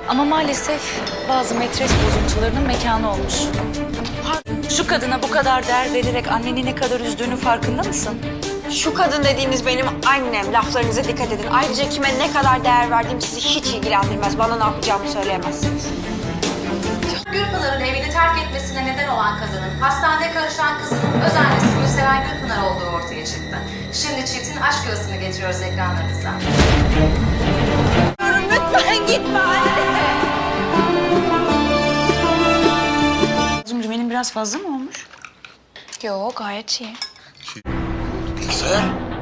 Ama maalesef bazı metres bozuntularının mekanı olmuş. Şu kadına bu kadar değer vererek anneni ne kadar üzdüğünün farkında mısın? Şu kadın dediğiniz benim annem. Laflarınıza dikkat edin. Ayrıca kime ne kadar değer verdiğim sizi hiç ilgilendirmez. Bana ne yapacağımı söyleyemezsiniz. Gülpınar'ın evini terk etmesine neden olan kadının hastanede karışan kızının öz annesi Gülseren Gülpınar olduğu ortaya çıktı. Şimdi çiftin aşk yuvasını getiriyoruz ekranlarınıza. Lütfen gitme anne. Benim biraz fazla mı olmuş? Yok, gayet iyi. Güzel.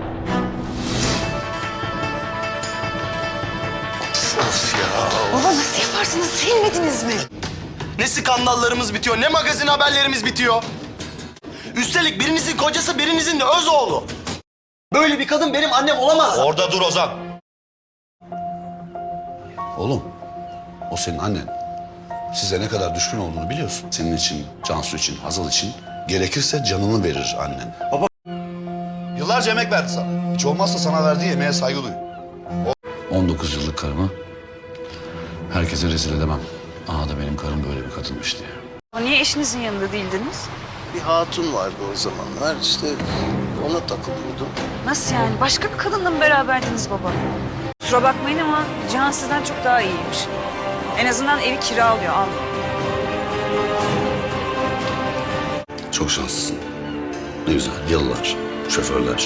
Of ya. Baba nasıl yaparsınız? Silmediniz mi? Ne skandallarımız bitiyor, ne magazin haberlerimiz bitiyor. Üstelik birinizin kocası, birinizin de öz oğlu. Böyle bir kadın benim annem olamaz. Orada dur Ozan. Oğlum, o senin annen. Size ne kadar düşkün olduğunu biliyorsun. Senin için, Cansu için, Hazal için gerekirse canını verir annen. Yıllarca emek verdi sana. Hiç olmazsa sana verdiği emeğe saygı duy. 19 yıllık karımı herkese rezil edemem. Aha da benim karım böyle bir kadınmış diye. Niye eşinizin yanında değildiniz? Bir hatun vardı o zamanlar, işte ona takılıyordum. Nasıl yani? Başka bir kadınla mı beraberdiniz baba? Kusura bakmayın ama Cihan sizden çok daha iyiymiş. En azından evi kiralıyor, almıyor. Çok şanslısın. Ne güzel, yalılar, şoförler,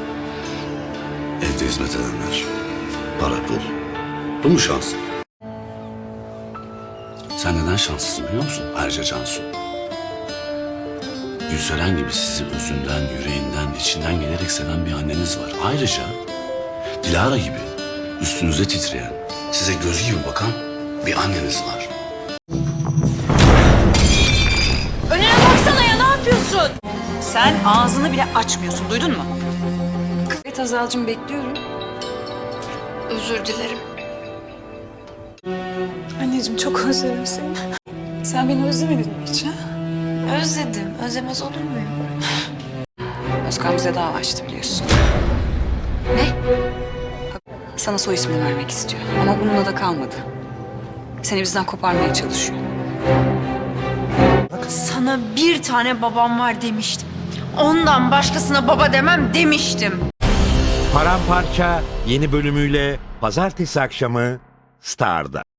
evde hizmet edenler, para pul. Bu mu şans? Sen neden şanslısın biliyor musun? Ayrıca Cansu. Gülseren gibi sizi özünden, yüreğinden, içinden gelerek seven bir anneniz var. Ayrıca Dilara gibi üstünüze titreyen, size göz gibi bakan bir anneniz var. Önüne baksana ya, ne yapıyorsun? Sen ağzını bile açmıyorsun, duydun mu? Evet Hazal'cığım, bekliyorum. Özür dilerim. Anneciğim çok özledim seni. Sen beni özlemedin mi hiç ha? Özledim. Özlemez olur muyum? Özkan bize dava açtı biliyorsun. Ne? Sana soy ismini vermek istiyor ama bununla da kalmadı. Seni bizden koparmaya çalışıyor. Sana bir tane babam var demiştim. Ondan başkasına baba demem demiştim. Paramparça yeni bölümüyle pazartesi akşamı Star'da.